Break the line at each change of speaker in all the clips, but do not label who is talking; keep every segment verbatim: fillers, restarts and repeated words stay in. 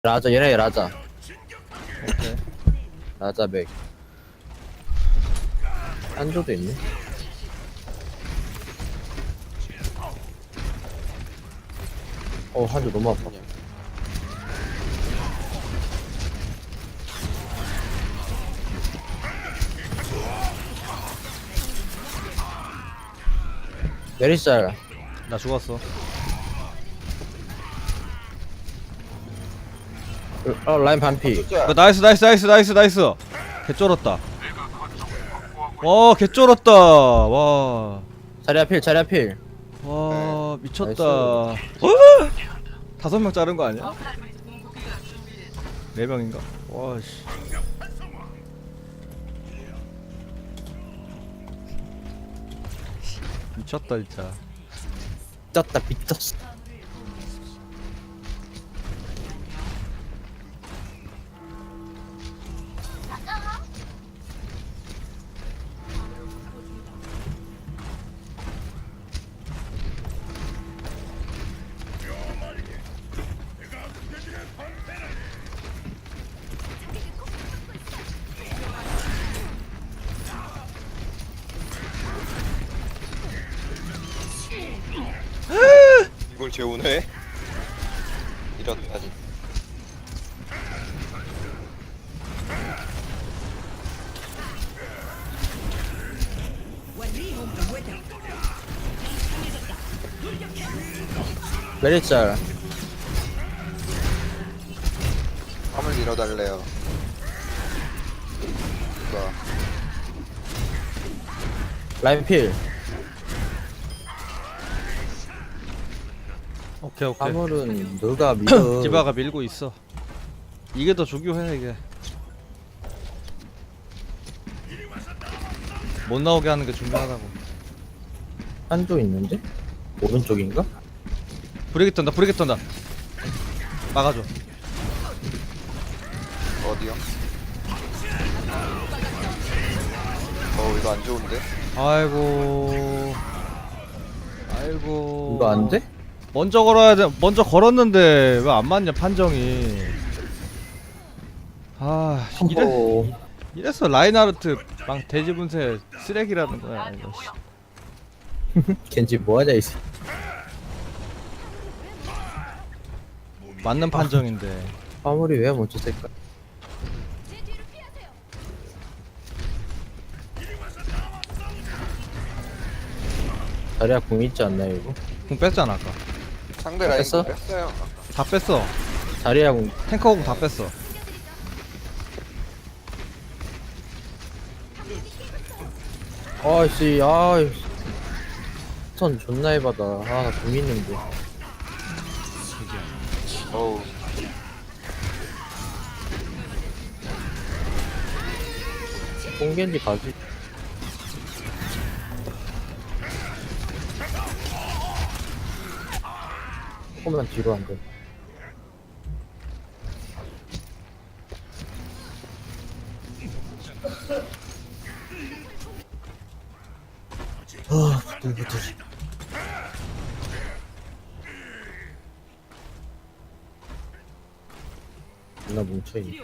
라자 얘네 라자
오케이.
라자 맥 한조도 있네. 어 한조 너무 아파. 메리짤
나 죽었어.
어 라인 반피.
그 나이스 나이스 나이스 나이스 나이스. 개 쫄았다. 와, 개 쫄았다. 와.
자리야 필 자리야 필.
와, 미쳤다.
나이스.
어? 다섯 명 자른 거 아니야? 네 명인가? 와 씨. 미쳤다 진짜.
pis었다 pis었어.
이걸 재우네? 이렇다니.
메리짤
화물 밀어달래요. 누가
라인 필.
오케이 오케이.
화물은 누가 믿어.
디바가 밀고 있어. 이게 더 중요해 이게. 못 나오게 하는 게 중요하다고.
한조 있는데? 오른쪽인가?
브레이크 턴다 브레이크 턴다. 막아줘.
어디요? 어 이거 안 좋은데?
아이고. 아이고.
이거 안 돼?
먼저 걸어야 돼. 먼저 걸었는데 왜 안 맞냐 판정이. 아 이래
어,
이래서 라인하르트 막 돼지 분쇄 쓰레기라는 거야 이거. 씨.
겐지 뭐하냐 이새.
맞는 판정인데.
화물이 왜 먼저 쓸까? 자리야 공 있지 않나요 이거?
공 뺐잖아 아까.
상대 라인
뺐어?
뺐어요.
다 뺐어.
자리야 공.
탱커 공 다 뺐어.
아씨 아이 선 존나 해바다. 아나공 있는데.
어우
뽕겐지 가지. 조금만 뒤로 안 돼. 아, 부들부들. 나 뭉쳐있네.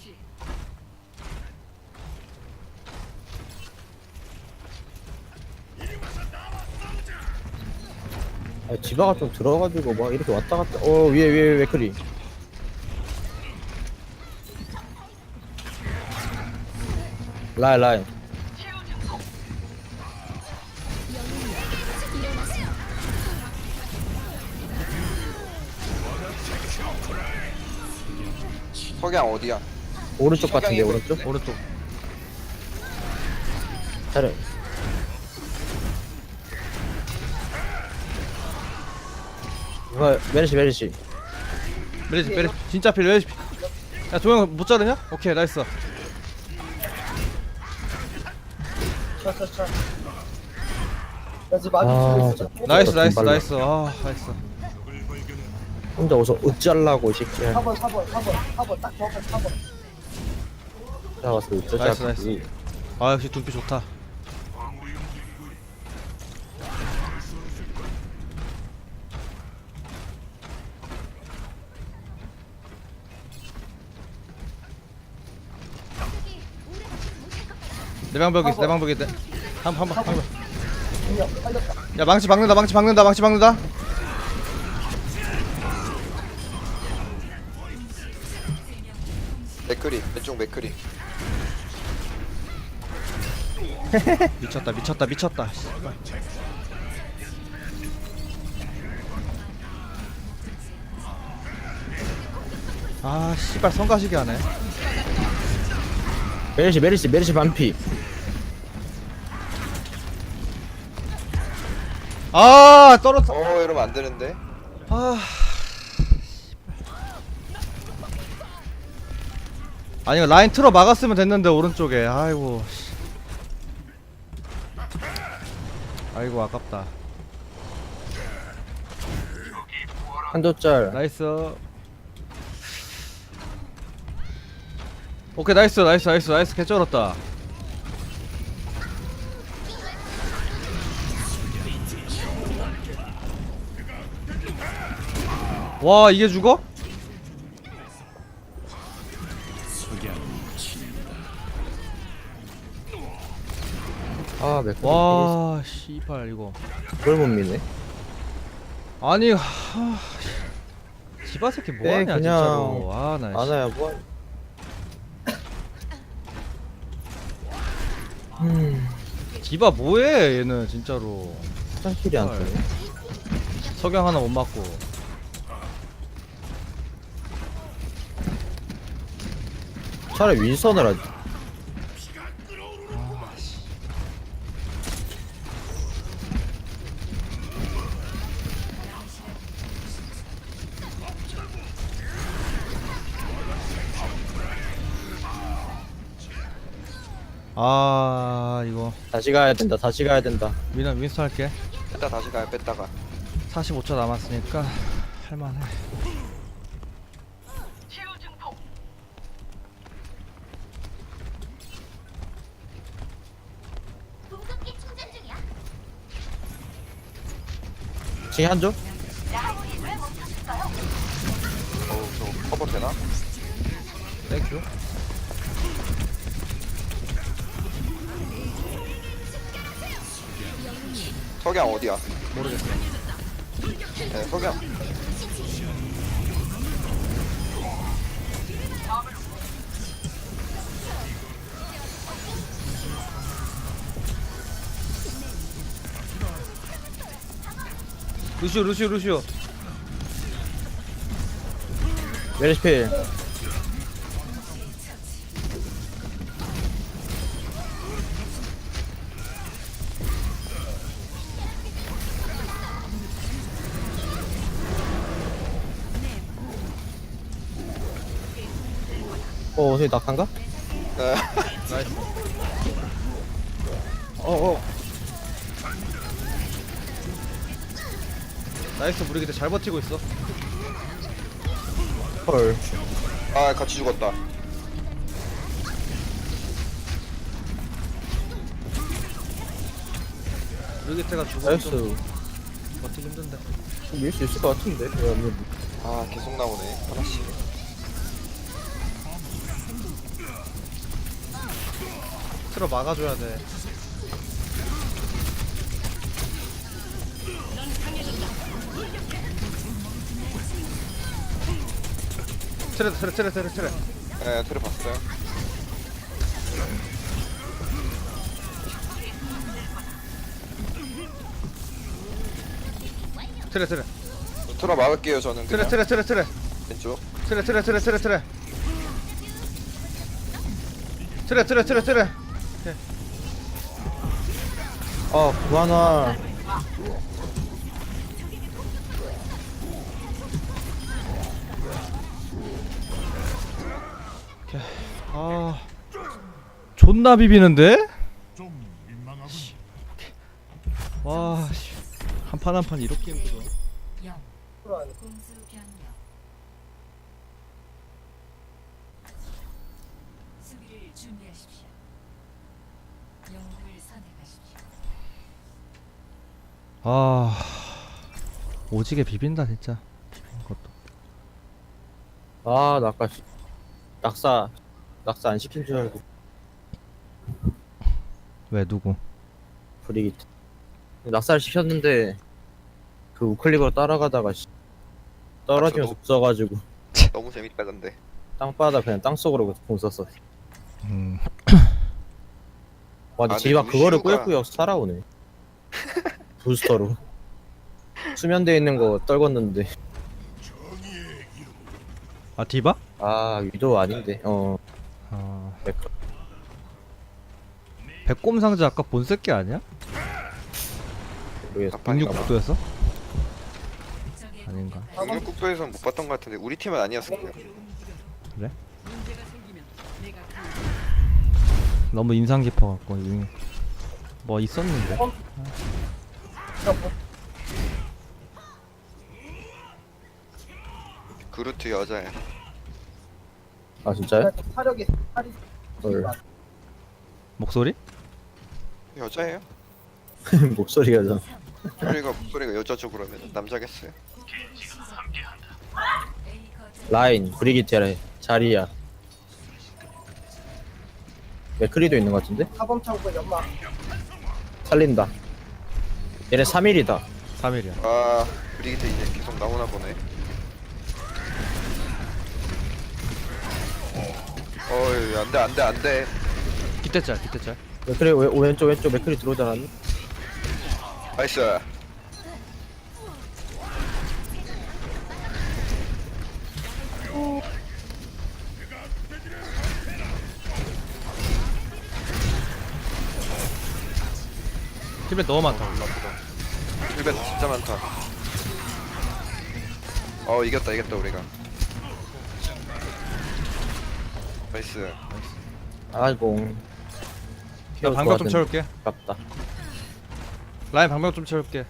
아, 디바가 좀 들어가지고 막 이렇게 왔다 갔다. 어, 위에, 위에, 위에, 맥크리. 라인, 라인.
석양 어디야?
오른쪽 같은데,
석양이
오른쪽?
오른쪽.
잘해. 이거, 메르시, 메르시.
메리지 메리지 진짜 필 메리지 필. 야 조용 못 자르냐? 오케이 나이스.
아, 진짜.
나이스 나이스
빨라.
나이스. 아 나이스.
혼자 어서 어찌하려고, 이 새끼야.
사 번, 사 번, 사 번, 사 번, 딱 정확하게 사 번.
나가서
나이스,
어쩌자고.
나이스. 아 역시 둠피 좋다. 내 방벽 있어 내 방벽 있대. 한한번 한 번.
중력 빨렸다.
야 망치 박는다 망치 박는다 망치 박는다.
맥크리 왼쪽 맥크리.
미쳤다 미쳤다 미쳤다. 씨발. 아 씨발 성가시게 하네.
메르시 메르시 메르시 반피.
아 떨어졌.
어 이러면 안 되는데.
아. 아니 이거 라인 틀어 막았으면 됐는데 오른쪽에. 아이고. 씨. 아이고 아깝다.
한도짤.
나이스. 오케이 나이스 나이스 나이스 나이스 개쩔었다. 와 이게 죽어?
아 맥주.
와 씨발 이거
그걸 못 미네.
아니 하... 지바 새끼
네,
뭐하냐
그냥
진짜로. 아나
아나야 뭐. 음.
지바 뭐해 얘는 진짜로.
짱킬이 안 뜨네.
석양 하나 못 맞고.
차라리 윈선을 하지.
아 이거
다시 가야 된다. 다시 가야 된다.
윈 윈스턴 할게.
뺐다 다시 가요 뺐다가.
사십오 초 남았으니까 할만해.
지금 한조?
어우 저거 커버 되나?
땡큐.
석양 어디야?
모르겠어.
네 석양.
루시오 루시오 루시오.
메르시 필. 어, 어디 낙한가?
네.
나이스.
어, 어.
나이스 무리기대 잘 버티고 있어.
헐.
아 같이 죽었다.
무리기대가 죽으면 좀
나이스.
버티기 힘든데.
밀 수 있을 것 같은데. 그러면
아 계속 나오네 하나씩.
틀어 막아줘야 돼. 트레 트레 트레 트레 트레.
네 틀을 봤어요.
트레 트레
틀어 막을게요 저는
트레
그냥.
트레 트레 트레
왼쪽.
트레 트레 트레 트레 트레 트레 트레 트레 트레.
아, 구하나.
아 존나 비비는데? 와 한 판 한 판 이렇게 힘들어.
공수 변경. 수비를 준비하십시오. 영웅을 선택하십시오.
아 오지게 비빈다 진짜. 비비는 것도.
아, 나 아까 씨- 낙사. 낙사 안 시킨 줄 알고.
왜 누구?
브리기트. 낙살 시켰는데 그 우클릭으로 따라가다가 씨, 떨어지면서
아, 저도.
웃어가지고
너무 재밌다 근데.
땅바닥 그냥 땅속으로 공 썼어.
음.
와 근데
아,
지가
근데
그거를
루시우가-
꾸역꾸역 살아오네. 부스터로 수면대에 있는 거 떨궜는데
아 디바?
아 위도 아닌데 어
아
맥-
백곰 상자 아까 본 새끼 아니야?
모르겠어.
아빠인가 봐.
백육국도였어?
적의
아닌가.
응급국도에선 못 봤던 것 같은데 우리 팀은 아니었을 거예요.
그래? 너무 인상 깊어갖고 이- 뭐 있었는데.
그루트 여자야.
아 진짜요?
사력이 살이
헐.
목소리?
여자예요?
목소리가 좀
목소리가 목소리가 여자죠 그러면 남자겠어요?
A 거점
라인 브리기테라 자리야 맥크리도 있는 것 같은데?
사범 창고에 연마
살린다. 얘네 삼 일이다.
삼 일이야.
아 브리기트 이제 계속 나오나 보네. 어이 안돼 안돼 안돼.
기대짤 기대짤.
맥크리 왼- 왼쪽 왼쪽 맥크리 들어오지 않았니?
나이스.
팀에 너무 많다.
힐벤 진짜 많다. 어 이겼다 이겼다 우리가. 나이스.
아이고
나 방벽 좀 채울게.
아깝다.
라인 방벽 좀 채울게.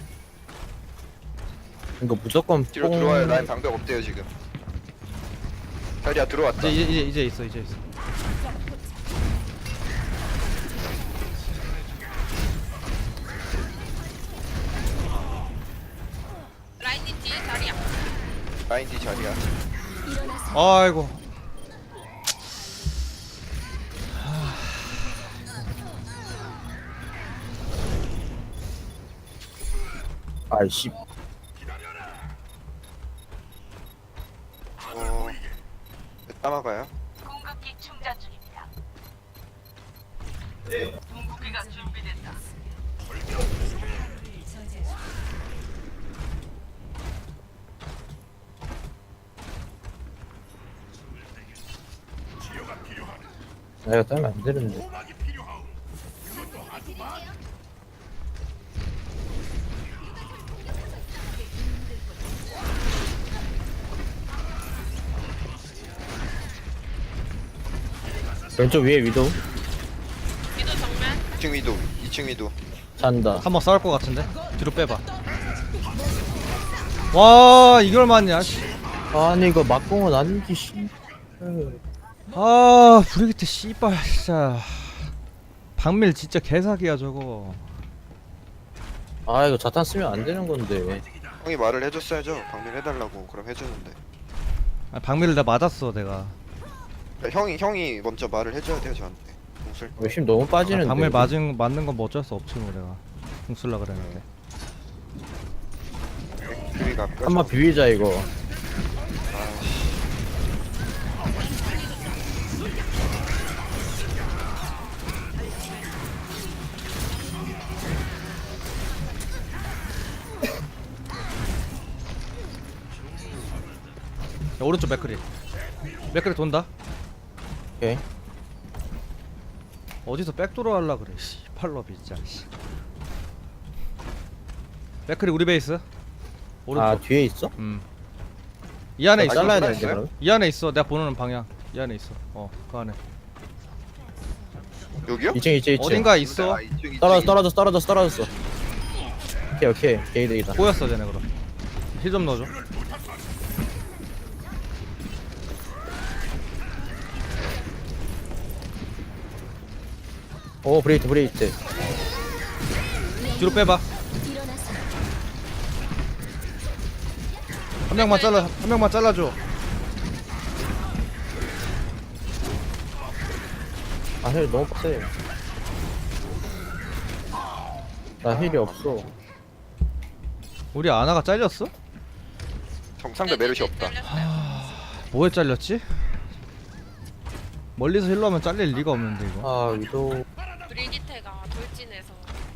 이거 무조건
뒤로
뽕-
들어와요. 라인 방벽 없대요 지금. 자리야 들어왔다.
이제 이제 이제 있어 이제 있어.
라인 뒤 자리야.
아이고.
아이씨
어. 따마가요?
공급기 충전 중입니다. 공급기가 준비됐다. 저지하십시오.
내가 따면 안 되는데. 왼쪽 위에 위도
이 층 위도. 이 층 위도.
잔다.
한번 싸울 것 같은데. 뒤로 빼봐. 와 이걸 맞냐? 씨.
아니 이거 막공은 아니지 씨.
아 브리기트 씨발 진짜. 박밀 진짜 개사기야 저거.
아 이거 자탄 쓰면 안 되는 건데.
형이 말을 해줬어야죠. 방밀 해달라고. 그럼 해주는데.
아, 박밀을 나 맞았어 내가.
그러니까 형이 형이 먼저 말을 해줘야 돼요 저한테. 공술.
이거 힘 너무
아,
빠지는데.
박밀 맞은 맞는 건 뭐 어쩔 수 없지 뭐 내가. 공 쓸라 그랬는데.
그리가
한번 비비자 이거.
야, 오른쪽 맥크리. 맥크리 돈다.
오케이.
어디서 백도로 할라 그래. 씨, 팔로비 진짜. 씨. 맥크리 우리 베이스. 오른쪽.
아 뒤에 있어?
음. 이 안에
아,
있어.
잘라야
이거
되는데
있어요?
그럼?
이 안에 있어. 내가 보는 방향. 이 안에 있어. 어, 그 안에.
여기요?
이 층 이 층 이 층.
어딘가 있어.
아, 이 층, 이 층.
떨어졌어 떨어졌어 떨어졌어 떨어졌어. 오케이 오케이 게이드이다.
꼬였어, 쟤네 그럼. 힐 좀 넣어줘.
오 브레이트 브레이트.
뒤로 빼봐. 한 명만 잘라. 한 명만 잘라줘.
아힐 너무 빡세. 나 힐이 없어.
우리 아나가 잘렸어?
정상대 메르시 없다.
뭐에 잘렸지? 멀리서 힐러면 잘릴 리가 없는데 이거.
아 위도
브리기테가 돌진해서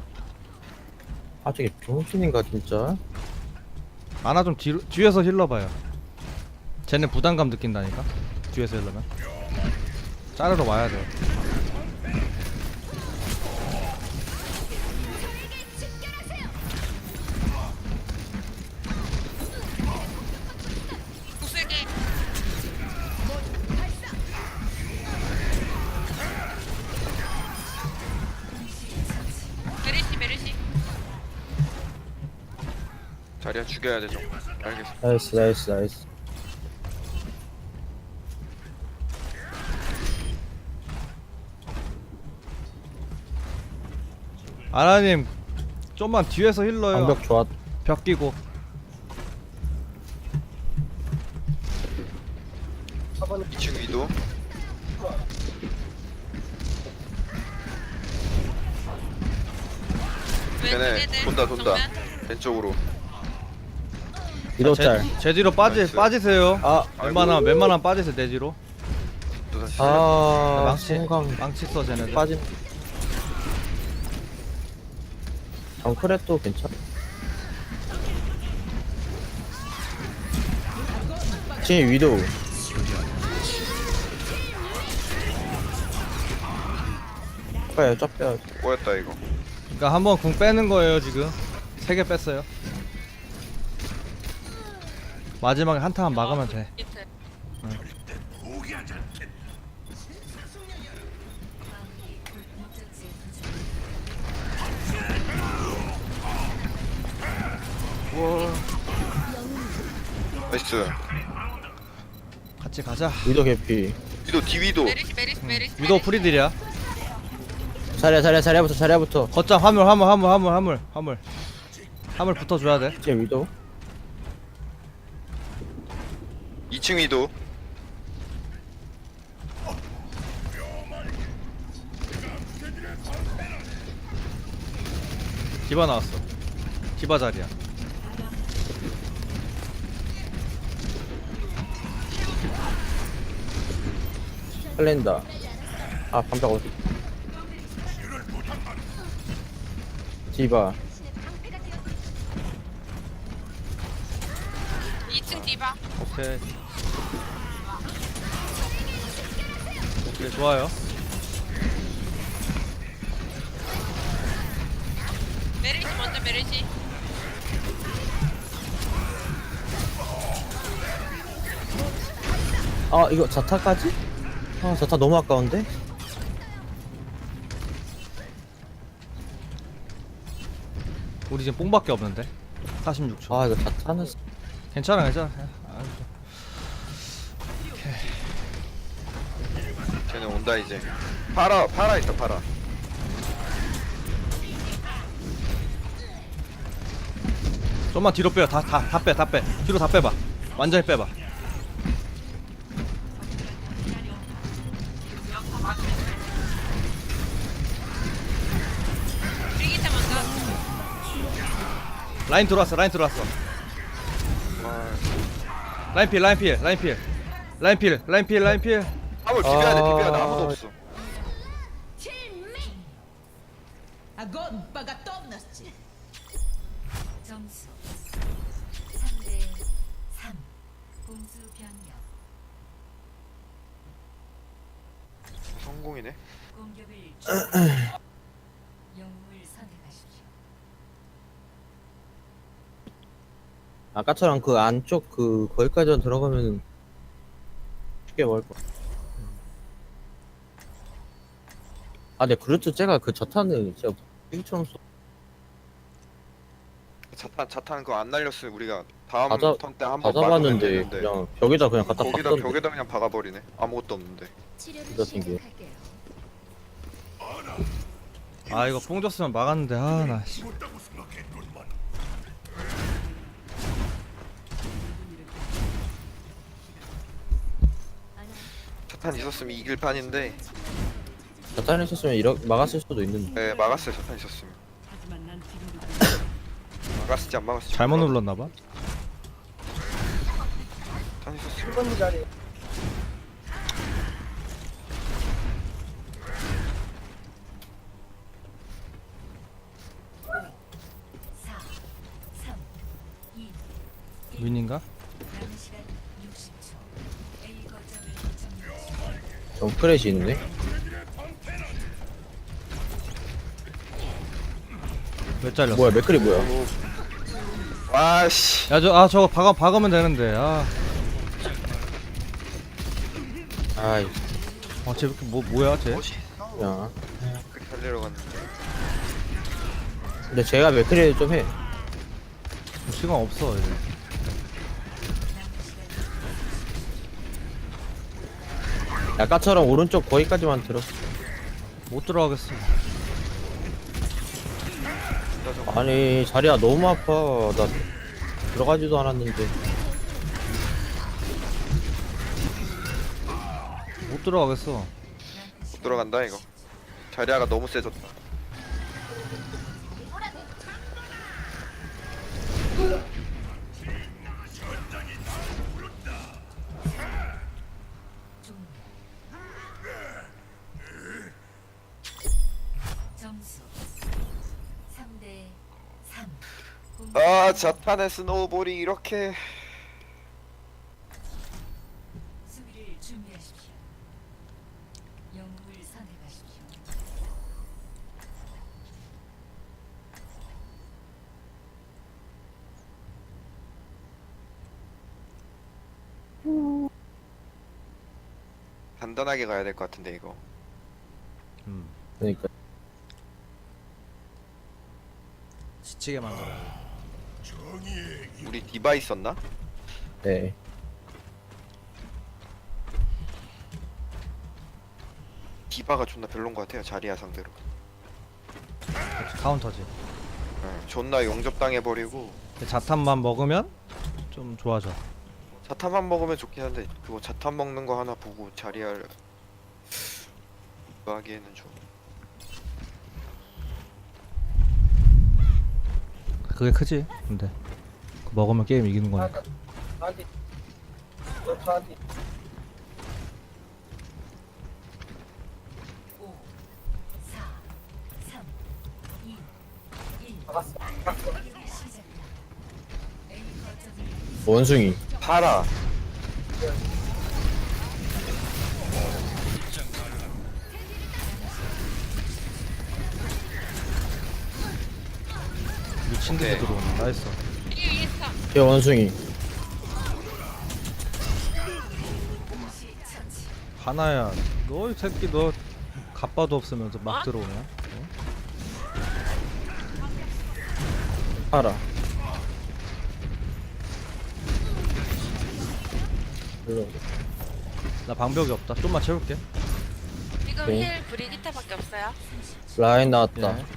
아 저게 병신인가 진짜?
아나 좀 뒤로, 뒤에서 힐러 봐요. 쟤는 부담감 느낀다니까. 뒤에서 힐러면 자르러 와야 돼요.
구슬기 메르시 메르시
자리야 죽여야 되죠. 알겠어.
나이스 나이스 나이스.
아나님 좀만 뒤에서 힐러요.
방벽 좋았.
벽 끼고.
이 층 위도. 걔네 돈다 돈다. 왼쪽으로.
위도 짤.
제, 제 뒤로 빠지
나이스.
빠지세요.
아.
웬만하면 웬만하면 빠지세요 내 뒤로.
또 다시.
아
망치
순간
망치 써 쟤네들.
빠진. 정크랩도 괜찮아. 지금 위도. 빼요 쫙 빼요.
꼬였다 이거.
그러니까 한번 궁 빼는 거예요 지금. 세 개 뺐어요. 마지막에 한타만 막으면 돼.
밑에
나이스.
같이 가자.
위도 개피.
위도 뒤위도.
메르시 메르시 메르시
위도 프리딜이야.
자리야 자리야 자리야부터 자리야부터.
거점 화물 화물 화물 화물 화물 화물 화물 붙어줘야 돼.
지금 위도.
이 층 위도.
디바 나왔어. 디바 자리야.
살린다. 아 방벽 어디? 디바.
이 층 디바
오케이. 오케이 좋아요.
메르시 먼저 메르시
아 이거 자타까지? 아 자타 너무 아까운데?
우리 지금 뽕밖에 없는데. 사십육 초.
아 이거 자타는
괜찮아 괜찮아. 아,
쟤네 온다 이제. 파라 파라 있다 파라.
좀만 뒤로 빼요. 다 다 다 빼 다 빼. 뒤로 다 빼봐. 완전히 빼봐.
브리기테 먼저
라인 들어왔어. 라인 들어왔어.
와.
라인 필 라인 필 라인 필 라인 필 라인 필 라인 필.
화물 비벼야 돼 비벼야 돼.
아.
아무도 없어.
Огонь по готовности!
점수 삼 대 삼. 공수 변경.
성공이네.
공격을 준비하십시오. 영웅을 선택하십시오.
아까처럼 그 안쪽 그 거기까지 들어가면 쉽게 먹을 거. 아 근데 그루트 쟤가 그 자타는 진짜 빙처럼 쏘.
자탄 자탄 그거 안 날렸으면 우리가 다음
다 잡-
턴 때 한
다
번 막으면
잡았는데
되는데.
그냥 벽에다 그냥 갖다
거기다
박던데.
벽에다 그냥 박아버리네. 아무것도 없는데.
치료를
이거 튕겨.
시작할게요.
아 이거 뽕 줬으면 막았는데 아 나.
자탄 있었으면 이길 판인데.
자탄 있었으면 이렇게 막았을 수도 있는데.
네 막았어요 자탄 있었으면.
하지만 난 지금
막았을지 안 막았을지
잘못
몰라.
눌렀나봐.
다녔었어.
일 번 자리.
사, 삼, 이,
윈인가?
남은 시간 육십 초. A 거점을 점령하십시오.
정크렛이 있네.
왜 잘렸어?
뭐야 맥클이 뭐야?
와씨.
야 저 아 저거 박아 박으면 되는데. 아.
아이
어, 쟤 이렇게 뭐 뭐야 쟤?
뭐지?
야.
그렇게 살리러 갔는데.
근데 제가 맥클이 좀 해.
시간 없어 이제.
아까처럼 오른쪽 거기까지만 들어.
못 들어가겠어.
나 저거
아니 자리야 너무 아파. 나 들어가지도 않았는데.
못 들어가겠어.
못 들어간다 이거. 자리아가 너무 세졌다.
점수 삼 대 삼.
아 자탄의 스노우볼이 이렇게.
수비를 준비하십시오. 영웅을 선택하십시오.
단단하게 가야 될 것 같은데 이거.
음.
그러니까
지치게 만들어.
우리 디바 있었나?
네.
디바가 존나 별론 것 같아요 자리아 상대로.
카운터지.
응, 존나 용접당해버리고.
자탄만 먹으면 좀 좋아져.
자탄만 먹으면 좋긴 한데 그거 자탄 먹는 거 하나 보고 자리아를 그거 하기에는 좀.
그게 크지. 근데 그거 먹으면 게임 이기는 거니까.
나한테. 너 저한테.
오, 사, 삼, 이, 일.
막았어.
시작합니다. A 거점을
원숭이.
파라.
미친 듯이
오케이.
들어오네. 나이스.
이게 있어.
제 원숭이.
하나야. 너 이 새끼 너 갑바도 없으면서 막
어?
들어오냐? 어?
팔아. 별로.
나 방벽이 없다. 좀만 채울게.
지금
네.
힐 브리기타밖에 없어요.
라인 나왔다.
예.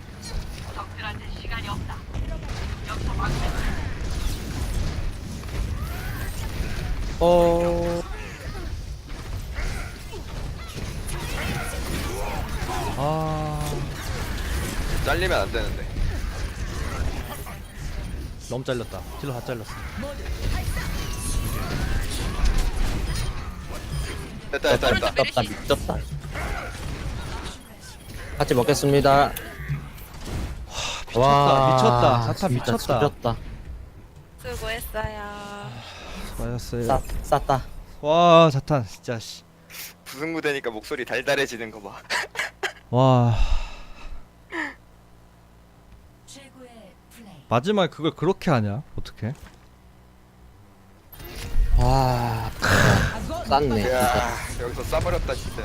어.
아
잘리면 안 되는데.
너무 잘렸다. 딜러 다 잘렸어.
됐다 됐다 됐다.
미쳤다 미쳤다. 같이 먹겠습니다.
미쳤다. 미쳤다. 자탄
진짜
미쳤다.
지렸다.
수고했어요.
맞았어요.
싸 쌌다.
와 자탄 진짜 씨.
부승무 되니까 목소리 달달해지는 거 봐.
와
최고의 플레이.
마지막에 그걸 그렇게 하냐? 어떻게?
와. 쌌네. 진짜.
야 여기서 싸버렸다 진짜.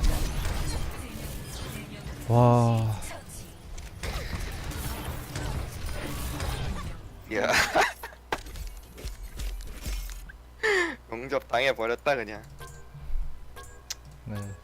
와
야. 용접 당해 버렸다 그냥.
네.